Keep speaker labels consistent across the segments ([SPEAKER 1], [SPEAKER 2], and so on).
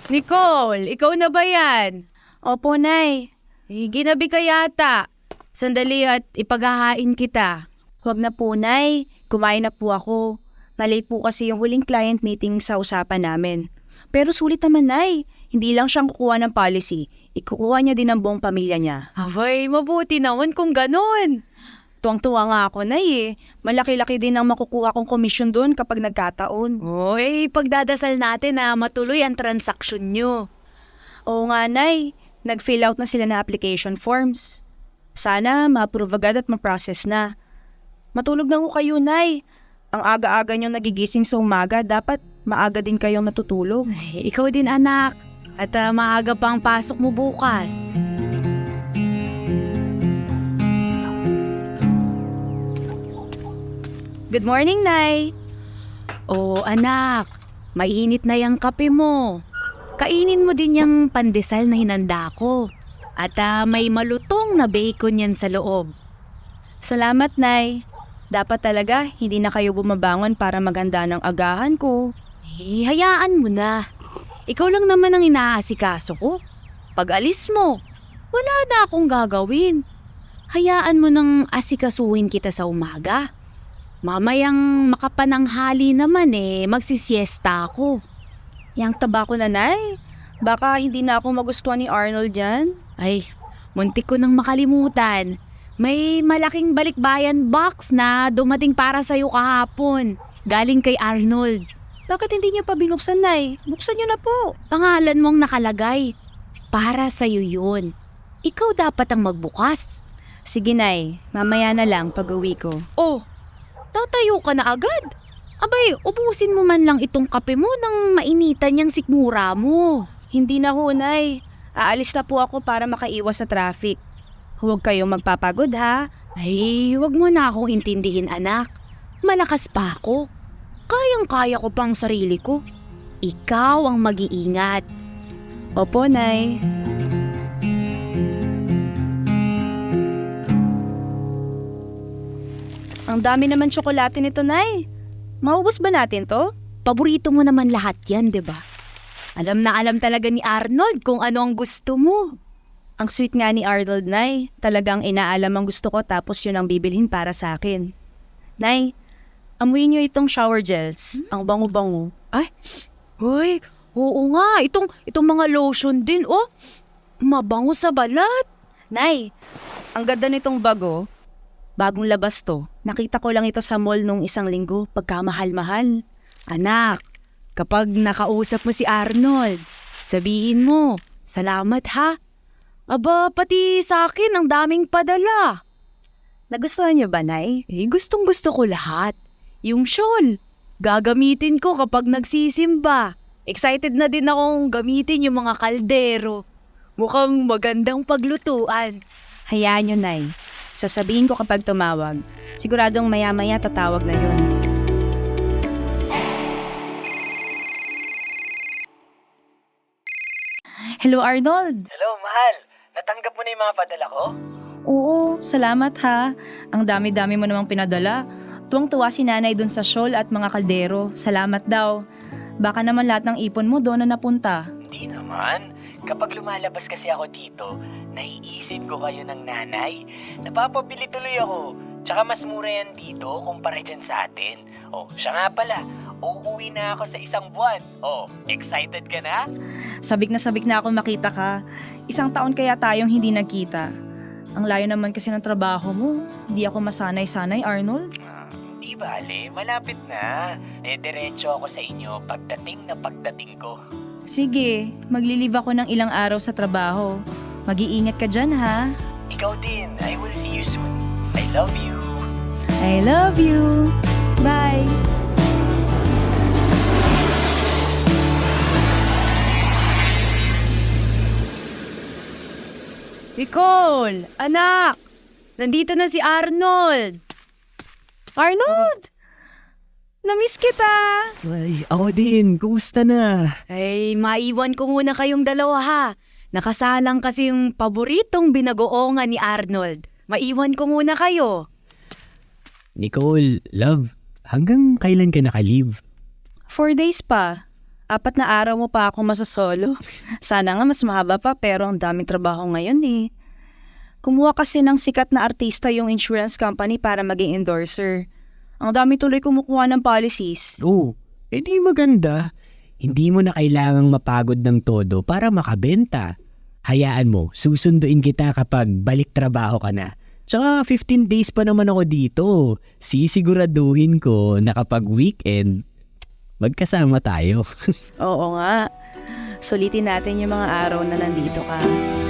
[SPEAKER 1] Nicole, ikaw na ba yan?
[SPEAKER 2] Opo, Nay.
[SPEAKER 1] Ginabi ka yata. Sandali at ipaghahain kita.
[SPEAKER 2] Huwag na po, Nay. Kumain na po ako. Nalate po kasi yung huling client meeting sa usapan namin. Pero sulit naman, Nay. Hindi lang siyang kukuha ng policy. Ikukuha niya din ang buong pamilya niya.
[SPEAKER 1] Abay, mabuti naman kung ganun.
[SPEAKER 2] Tuwang-tuwa nga ako, Nay eh. Malaki-laki din ang makukuha kong komisyon doon kapag nagkataon.
[SPEAKER 1] Oy, pagdadasal natin na matuloy ang transaksyon nyo.
[SPEAKER 2] Oo nga, Nay. Nag-fill out na sila na application forms. Sana ma-approve agad at ma-process na. Matulog na ko kayo, Nay. Ang aga-aga nyo nagigising sa umaga, dapat maaga din kayong natutulog.
[SPEAKER 1] Ay, ikaw din anak. At maaga pa ang pasok mo bukas.
[SPEAKER 2] Good morning, Nay.
[SPEAKER 1] Oh, anak. Mainit na yung kape mo. Kainin mo din yung pandesal na hinanda ko. At may malutong na bacon yan sa loob.
[SPEAKER 2] Salamat, Nay. Dapat talaga hindi na kayo bumabangon para maganda ng agahan ko.
[SPEAKER 1] Eh, hayaan mo na. Ikaw lang naman ang inaasikaso ko. Pag alis mo, wala na akong gagawin. Hayaan mo nang asikasuhin kita sa umaga. Mamayang makapananghali naman magsisiesta ako.
[SPEAKER 2] Yang taba ko na, Nay. Baka hindi na ako magustuhan ni Arnold yan.
[SPEAKER 1] Ay, muntik ko nang makalimutan. May malaking balikbayan box na dumating para sa'yo kahapon. Galing kay Arnold.
[SPEAKER 2] Bakit hindi niyo pa binuksan, Nay? Buksan niyo na po.
[SPEAKER 1] Pangalan mong nakalagay. Para sa'yo yun. Ikaw dapat ang magbukas.
[SPEAKER 2] Sige, Nay. Mamaya na lang pag-uwi ko.
[SPEAKER 1] Oh, tatayo ka na agad. Abay, ubusin mo man lang itong kape mo nang mainitan yung sikmura mo.
[SPEAKER 2] Hindi na ho, Nay. Aalis na po ako para makaiwas sa traffic. Huwag kayong magpapagod, ha?
[SPEAKER 1] Ay, wag mo na akong intindihin, anak. Malakas pa ako. Kayang-kaya ko pang sarili ko. Ikaw ang mag-iingat.
[SPEAKER 2] Opo, Nay. Ang dami naman tsokolate nito, Nay. Maubos ba natin to?
[SPEAKER 1] Paborito mo naman lahat yan, di ba? Alam na alam talaga ni Arnold kung ano ang gusto mo.
[SPEAKER 2] Ang sweet nga ni Arnold, Nay. Talagang inaalam ang gusto ko tapos yun ang bibilhin para sa akin. Nay, amuyin niyo itong shower gels. Ang bango-bango.
[SPEAKER 1] Ay, hoy, oo nga. Itong mga lotion din, oh. Mabango sa balat.
[SPEAKER 2] Nay, ang ganda nitong bago. Bagong labas to. Nakita ko lang ito sa mall nung isang linggo pagkamahal-mahal.
[SPEAKER 1] Anak, kapag nakausap mo si Arnold, sabihin mo, salamat ha. Aba, pati sa akin ang daming padala.
[SPEAKER 2] Nagustuhan niyo ba, Nay?
[SPEAKER 1] Gustong gusto ko lahat. Yung shawl, gagamitin ko kapag nagsisimba. Excited na din akong gamitin yung mga kaldero. Mukhang magandang paglutuan.
[SPEAKER 2] Hayaan niyo, Nay. Sasabihin ko kapag tumawag. Siguradong maya-maya tatawag na yun. Hello, Arnold.
[SPEAKER 3] Hello, mahal. Natanggap mo na yung mga padala ko?
[SPEAKER 2] Oo, salamat ha. Ang dami-dami mo namang pinadala. Tuwang-tuwa si nanay dun sa shawl at mga kaldero. Salamat daw. Baka naman lahat ng ipon mo doon na napunta.
[SPEAKER 3] Hindi naman. Kapag lumalabas kasi ako dito, naiisip ko kayo ng nanay. Napapabili tuloy ako. Tsaka mas mura yan dito kumpara dyan sa atin. Oh, siya nga pala. Uuwi na ako sa isang buwan. Oh, excited ka na?
[SPEAKER 2] Sabik na ako makita ka. Isang taon kaya tayong hindi nagkita. Ang layo naman kasi ng trabaho mo. Hindi ako masanay-sanay, Arnold.
[SPEAKER 3] Di bale, malapit na. Dediretso ako sa inyo pagdating ko.
[SPEAKER 2] Sige, maglilive ako ng ilang araw sa trabaho. Mag-iingat ka dyan, ha?
[SPEAKER 3] Ikaw din. I will see you soon. I love you.
[SPEAKER 2] I love you. Bye.
[SPEAKER 1] Nicole, anak, nandito na si Arnold.
[SPEAKER 2] Arnold! Namiss kita!
[SPEAKER 4] Ay, ako din. Kumusta na?
[SPEAKER 1] Ay, maiwan ko muna kayong dalawa ha. Nakasalang kasi yung paboritong binagoongan ni Arnold. Maiwan ko muna kayo.
[SPEAKER 4] Nicole, love, hanggang kailan ka naka-leave?
[SPEAKER 2] 4 days pa. 4 na araw mo pa ako masasolo. Sana nga mas mahaba pa pero ang daming trabaho ngayon eh. Kumuha kasi ng sikat na artista yung insurance company para maging endorser. Ang dami tuloy kumukuha ng policies.
[SPEAKER 4] Oh, edi maganda. Hindi mo na kailangang mapagod ng todo para makabenta. Hayaan mo, susunduin kita kapag balik trabaho ka na. Tsaka 15 days pa naman ako dito. Sisiguraduhin ko na kapag weekend, magkasama tayo.
[SPEAKER 2] Oo nga. Sulitin natin yung mga araw na nandito ka.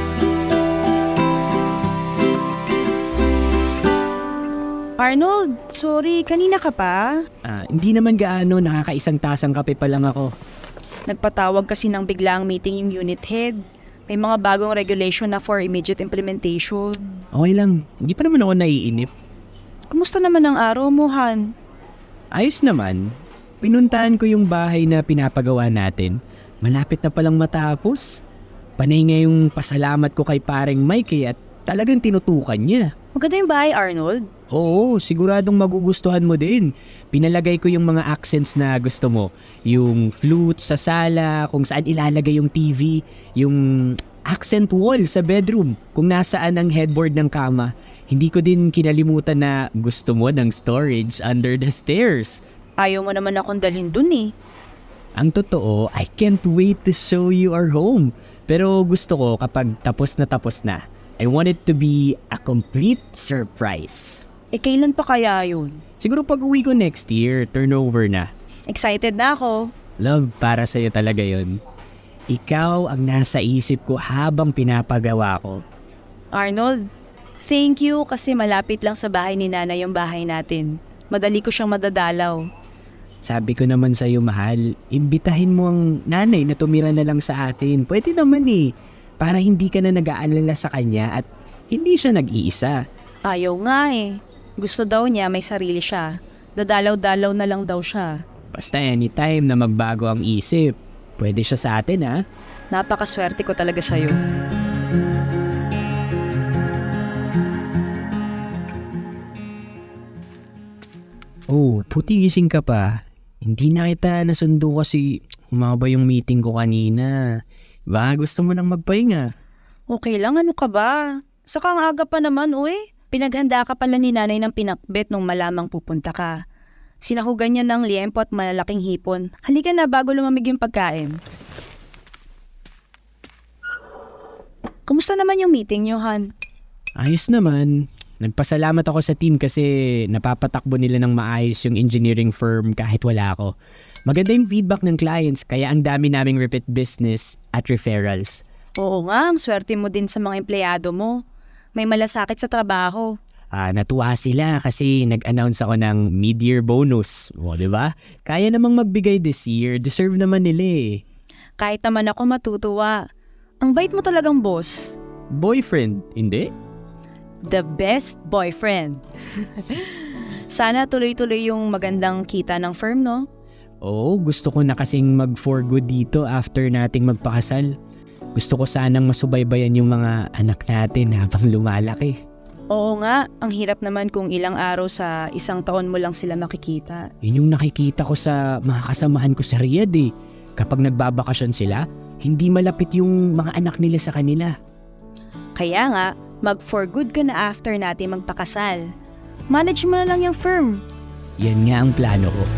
[SPEAKER 2] Arnold, sorry, kanina ka pa?
[SPEAKER 4] Hindi naman gaano, nakakaisang tasang kape pa lang ako.
[SPEAKER 2] Nagpatawag kasi ng biglaang meeting yung unit head. May mga bagong regulation na for immediate implementation.
[SPEAKER 4] Okay lang, hindi pa naman ako naiinip.
[SPEAKER 2] Kumusta naman ang araw mo, Han?
[SPEAKER 4] Ayos naman. Pinuntahan ko yung bahay na pinapagawa natin. Malapit na palang matapos. Panay nga yung pasalamat ko kay pareng Mike at talagang tinutukan niya.
[SPEAKER 2] Maganda yung bahay, Arnold.
[SPEAKER 4] Oo, siguradong magugustuhan mo din. Pinalagay ko yung mga accents na gusto mo. Yung flute sa sala, kung saan ilalagay yung TV, yung accent wall sa bedroom, kung nasaan ang headboard ng kama. Hindi ko din kinalimutan na gusto mo ng storage under the stairs.
[SPEAKER 2] Ayaw mo naman akong dalhin dun eh.
[SPEAKER 4] Ang totoo, I can't wait to show you our home. Pero gusto ko kapag tapos na. I want it to be a complete surprise.
[SPEAKER 2] Eh kailan pa kaya yun?
[SPEAKER 4] Siguro pag uwi ko next year, turnover na.
[SPEAKER 2] Excited na ako.
[SPEAKER 4] Love, para sa'yo talaga yon. Ikaw ang nasa isip ko habang pinapagawa ko.
[SPEAKER 2] Arnold, thank you kasi malapit lang sa bahay ni Nana yung bahay natin. Madali ko siyang madadalaw.
[SPEAKER 4] Sabi ko naman sa'yo, mahal, imbitahin mo ang nanay na tumira na lang sa atin. Pwede naman eh. Para hindi ka na nag-aalala sa kanya at hindi siya nag-iisa.
[SPEAKER 2] Ayaw nga eh. Gusto daw niya may sarili siya. Dadalaw-dalaw na lang daw siya.
[SPEAKER 4] Basta anytime na magbago ang isip, pwede siya sa atin ha.
[SPEAKER 2] Napakaswerte ko talaga sa'yo.
[SPEAKER 4] Oh, puti gising ka pa. Hindi na kita nasundo kasi umaba yung meeting ko kanina. Baka gusto mo nang magpahinga.
[SPEAKER 2] Okay lang, ano ka ba? Saka ang aga pa naman, uy. Pinaghanda ka pala ni nanay ng pinakbet nung malamang pupunta ka. Sinahugan niya ng liempo at malalaking hipon. Halika na bago lumamig yung pagkain. Kumusta naman yung meeting niyo, Han?
[SPEAKER 4] Ayos naman. Nagpasalamat ako sa team kasi napapatakbo nila ng maayos yung engineering firm kahit wala ako. Maganda yung feedback ng clients kaya ang dami naming repeat business at referrals.
[SPEAKER 2] Oo nga, ang swerte mo din sa mga empleyado mo. May malasakit sa trabaho.
[SPEAKER 4] Natuwa sila kasi nag-announce ako ng mid-year bonus. O, diba? Kaya namang magbigay this year. Deserve naman nila eh.
[SPEAKER 2] Kahit naman ako matutuwa. Ang bait mo talagang boss.
[SPEAKER 4] Boyfriend, hindi?
[SPEAKER 2] The best boyfriend. Sana tuloy-tuloy yung magandang kita ng firm, no?
[SPEAKER 4] Oo, gusto ko na kasing mag-for good dito after nating magpakasal. Gusto ko sanang masubaybayan yung mga anak natin habang lumalaki.
[SPEAKER 2] Oo nga, ang hirap naman kung ilang araw sa isang taon mo lang sila makikita.
[SPEAKER 4] Yun yung nakikita ko sa mga kasamahan ko sa Riyadh eh. Kapag nagbabakasyon sila, hindi malapit yung mga anak nila sa kanila.
[SPEAKER 2] Kaya nga, mag-for good ka na after natin magpakasal. Manage mo na lang yung firm.
[SPEAKER 4] Yan nga ang plano ko.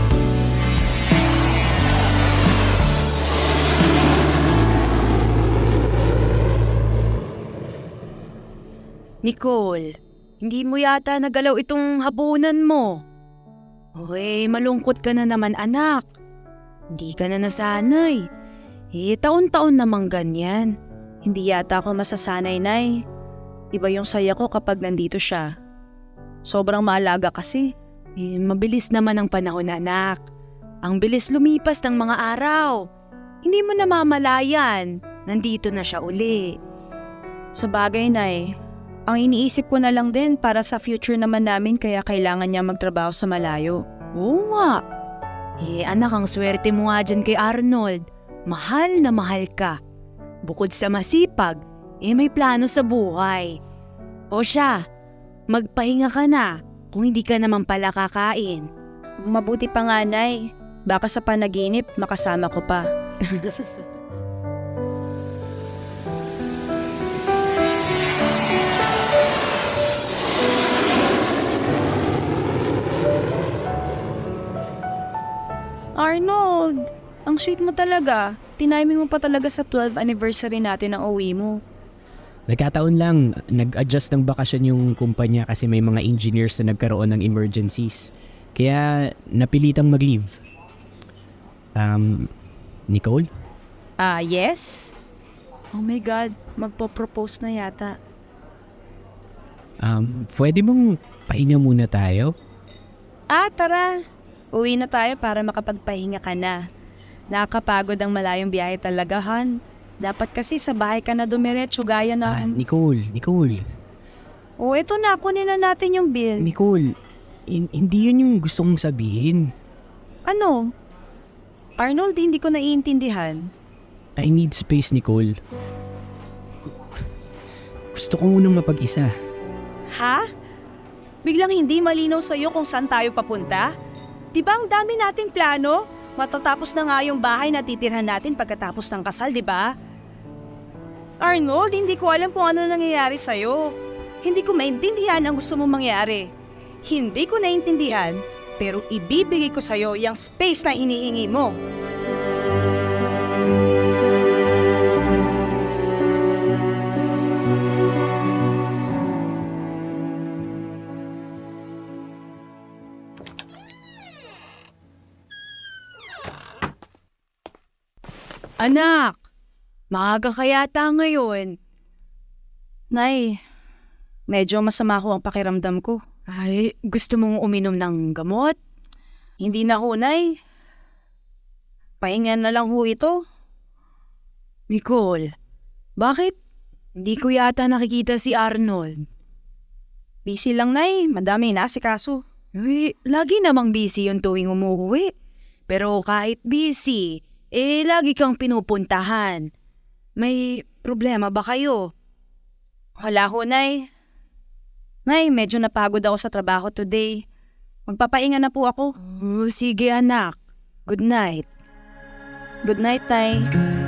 [SPEAKER 1] Nicole, hindi mo yata nagalaw itong hapunan mo. Uy, malungkot ka na naman anak. Hindi ka na nasanay. Taon-taon namang ganyan.
[SPEAKER 2] Hindi yata ako masasanay, Nay. Iba yung saya ko kapag nandito siya. Sobrang maalaga kasi.
[SPEAKER 1] Mabilis naman ang panahon, anak. Ang bilis lumipas ng mga araw. Hindi mo namamalayan. Nandito na siya uli.
[SPEAKER 2] Sa bagay, Nay, ang iniisip ko na lang din para sa future naman namin kaya kailangan niya magtrabaho sa malayo.
[SPEAKER 1] Oo nga. Anak, ang swerte mo nga dyan kay Arnold. Mahal na mahal ka. Bukod sa masipag, may plano sa buhay. O siya, magpahinga ka na kung hindi ka naman pala kakain.
[SPEAKER 2] Mabuti pa nga, Nay. Baka sa panaginip, makasama ko pa. Arnold, ang sweet mo talaga. Tiniming mo pa talaga sa 12th anniversary natin ang uwi mo.
[SPEAKER 4] Nagkataon lang, nag-adjust ng bakasyon yung kumpanya kasi may mga engineers na nagkaroon ng emergencies. Kaya napilitang mag-leave. Nicole?
[SPEAKER 2] Yes? Oh my God, magpo-propose na yata.
[SPEAKER 4] Pwede mong pahinga muna tayo?
[SPEAKER 2] Tara. Uwi na tayo para makapagpahinga ka na. Nakakapagod ang malayong biyahe talaga, Han. Dapat kasi sa bahay ka na dumiretso gaya na...
[SPEAKER 4] Nicole.
[SPEAKER 2] Eto na, kunin na natin yung bill.
[SPEAKER 4] Nicole, hindi yun yung gusto kong sabihin.
[SPEAKER 2] Ano? Arnold, hindi ko naiintindihan.
[SPEAKER 4] I need space, Nicole. Gusto ko munang mapag-isa.
[SPEAKER 2] Ha? Biglang hindi malinaw sa'yo kung saan tayo papunta? Di ba ang dami nating plano? Matatapos na nga yung bahay na titirhan natin pagkatapos ng kasal, di ba? Arnold, hindi ko alam kung ano nangyayari sa'yo. Hindi ko maintindihan ang gusto mong mangyari. Hindi ko naintindihan, pero ibibigay ko sa'yo yung space na inihingi mo.
[SPEAKER 1] Anak, maaga ka yata ngayon.
[SPEAKER 2] Nay, medyo masama ho ang pakiramdam ko.
[SPEAKER 1] Ay, gusto mong uminom ng gamot?
[SPEAKER 2] Hindi na ho, Nay. Pahinga na lang ho ito.
[SPEAKER 1] Nicole, bakit? Hindi ko yata nakikita si Arnold.
[SPEAKER 2] Busy lang, Nay. Madami inaasikaso.
[SPEAKER 1] Uy, lagi namang busy yung tuwing umuwi. Pero kahit busy, lagi kang pinupuntahan. May problema ba kayo?
[SPEAKER 2] Wala ho, Nay. Nay, medyo napagod ako sa trabaho today. Magpapahinga na po ako.
[SPEAKER 1] Oh, sige anak. Good night.
[SPEAKER 2] Good night, Tay.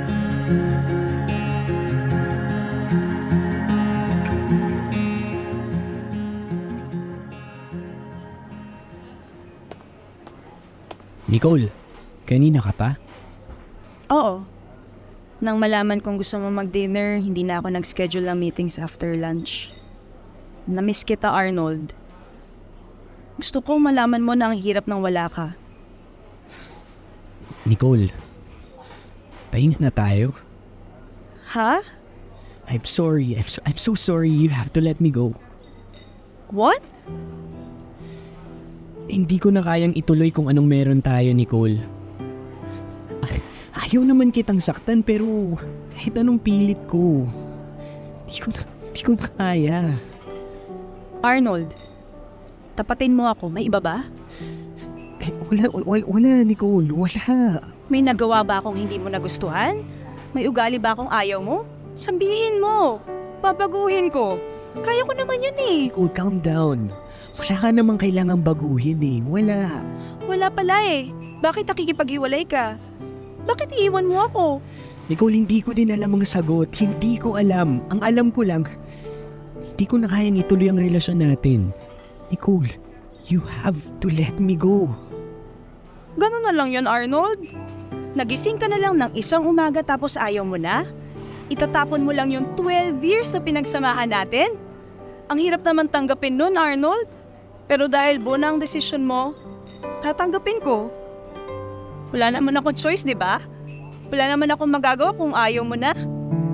[SPEAKER 4] Nicole, kanina ka pa?
[SPEAKER 2] Oo. Nang malaman kong gusto mo mag-dinner, hindi na ako nag-schedule ng meetings after lunch. Namiss kita, Arnold. Gusto ko malaman mo na ang hirap ng wala ka.
[SPEAKER 4] Nicole, pahinga na tayo.
[SPEAKER 2] Ha?
[SPEAKER 4] I'm sorry. I'm so sorry. You have to let me go.
[SPEAKER 2] What?
[SPEAKER 4] Hindi ko na kayang ituloy kung anong meron tayo, Nicole. Ayaw naman kitang saktan pero kahit anong pilit ko, hindi ko na kaya.
[SPEAKER 2] Arnold, tapatin mo ako. May iba ba?
[SPEAKER 4] Wala, Nicole. Wala.
[SPEAKER 2] May nagawa ba akong hindi mo nagustuhan? May ugali ba akong ayaw mo? Sabihin mo. Babaguhin ko. Kaya ko naman yan eh.
[SPEAKER 4] Nicole, calm down. Wala ka namang kailangang baguhin eh. Wala.
[SPEAKER 2] Wala pala eh. Bakit nakikipaghiwalay ka? Bakit iiwan mo ako?
[SPEAKER 4] Nicole, hindi ko din alam ang sagot. Hindi ko alam. Ang alam ko lang, hindi ko na kayang ituloy ang relasyon natin. Nicole, you have to let me go.
[SPEAKER 2] Ganun na lang yun, Arnold. Nagising ka na lang ng isang umaga tapos ayaw mo na? Itatapon mo lang yung 12 years na pinagsamahan natin? Ang hirap naman tanggapin nun, Arnold. Pero dahil buo na ang desisyon mo, tatanggapin ko. Wala naman akong choice, di ba? Wala naman akong magagawa kung ayaw mo na.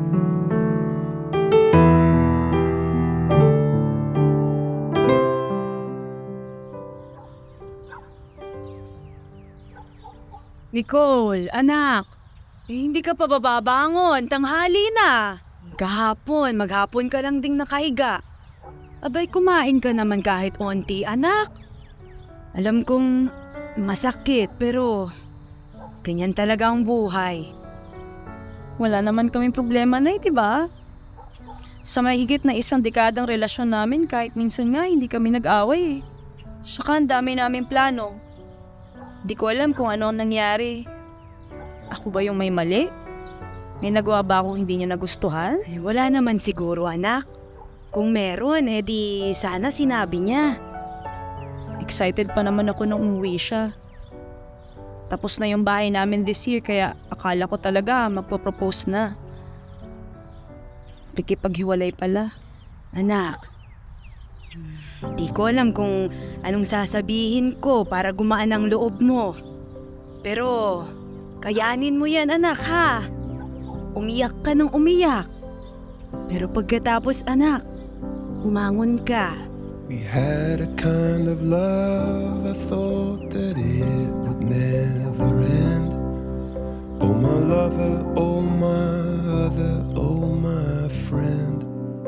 [SPEAKER 1] Nicole, anak. Hindi ka pa bababangon. Tanghali na. Maghapon ka lang ding nakahiga. Abay, kumain ka naman kahit onti, anak. Alam kong masakit, pero ganyan talaga ang buhay.
[SPEAKER 2] Wala naman kaming problema na di ba? Sa mahigit na isang dekadang relasyon namin, kahit minsan nga hindi kami nag-away eh. Saka ang dami naming plano. Di ko alam kung ano ang nangyari. Ako ba yung may mali? May nagawa ba akong hindi niya nagustuhan?
[SPEAKER 1] Ay, wala naman siguro, anak. Kung meron, di sana sinabi niya.
[SPEAKER 2] Excited pa naman ako nung umuwi siya. Tapos na yung bahay namin this year kaya akala ko talaga magpo-propose na. Pikipaghiwalay pala.
[SPEAKER 1] Anak, di ko alam kung anong sasabihin ko para gumaan ang loob mo. Pero, kayanin mo yan, anak, ha? Umiyak ka ng umiyak. Pero pagkatapos, anak, umangon ka.
[SPEAKER 5] We had a kind of love, I thought that it would never end. Oh my lover, oh my other, oh my friend.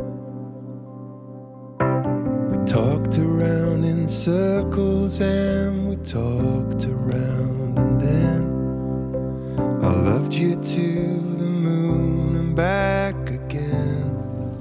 [SPEAKER 5] We talked around in circles and we talked around and then I loved you to the moon and back again.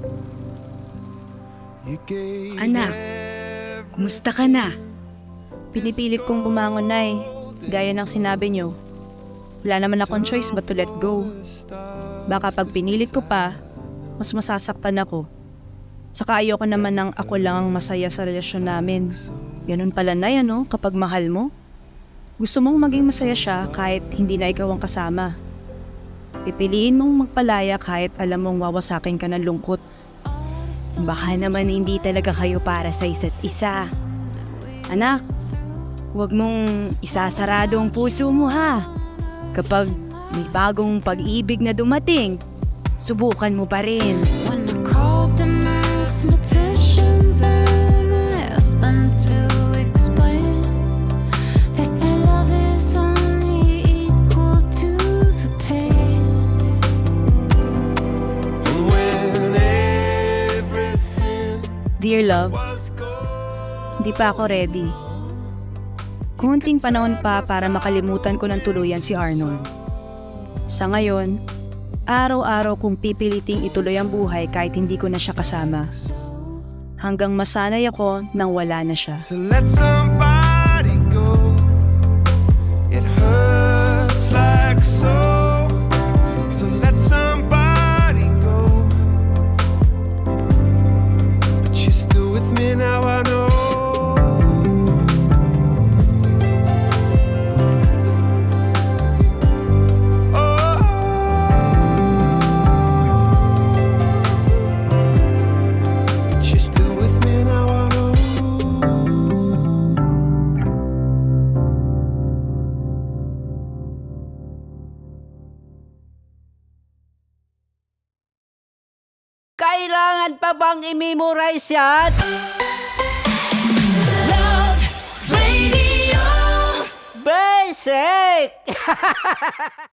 [SPEAKER 5] You gave
[SPEAKER 1] Anak, kumusta ka na?
[SPEAKER 2] Pinipilit kong bumangon, Nay. Gaya ng sinabi niyo. Wala naman akong choice but to let go. Baka pag pinilit ko pa, mas masasaktan ako. Saka ayoko naman ng ako lang ang masaya sa relasyon namin. Ganun pala, Nay, kapag mahal mo. Gusto mong maging masaya siya kahit hindi na ikaw ang kasama. Pipiliin mong magpalaya kahit alam mong wawasakin ka ng lungkot.
[SPEAKER 1] Baka naman hindi talaga kayo para sa isa't isa. Anak, huwag mong isasarado ang puso mo, ha? Kapag may bagong pag-ibig na dumating, subukan mo pa rin.
[SPEAKER 6] When I called the mathematicians and I asked them to explain, they say love is only equal to the pain.
[SPEAKER 5] and when everything
[SPEAKER 2] Dear love,
[SPEAKER 5] was gone.
[SPEAKER 2] hindi pa ako ready. Kunting panahon pa para makalimutan ko ng tuluyan si Arnold. Sa ngayon, araw-araw kong pipiliting ituloy ang buhay kahit hindi ko na siya kasama. Hanggang masanay ako nang wala na siya.
[SPEAKER 5] To let somebody go, it hurts like so. To let somebody go, but you're still with me now, I know. But you're still with me now, I know.
[SPEAKER 7] Kailangan pa bang i-memorize yan? Basic!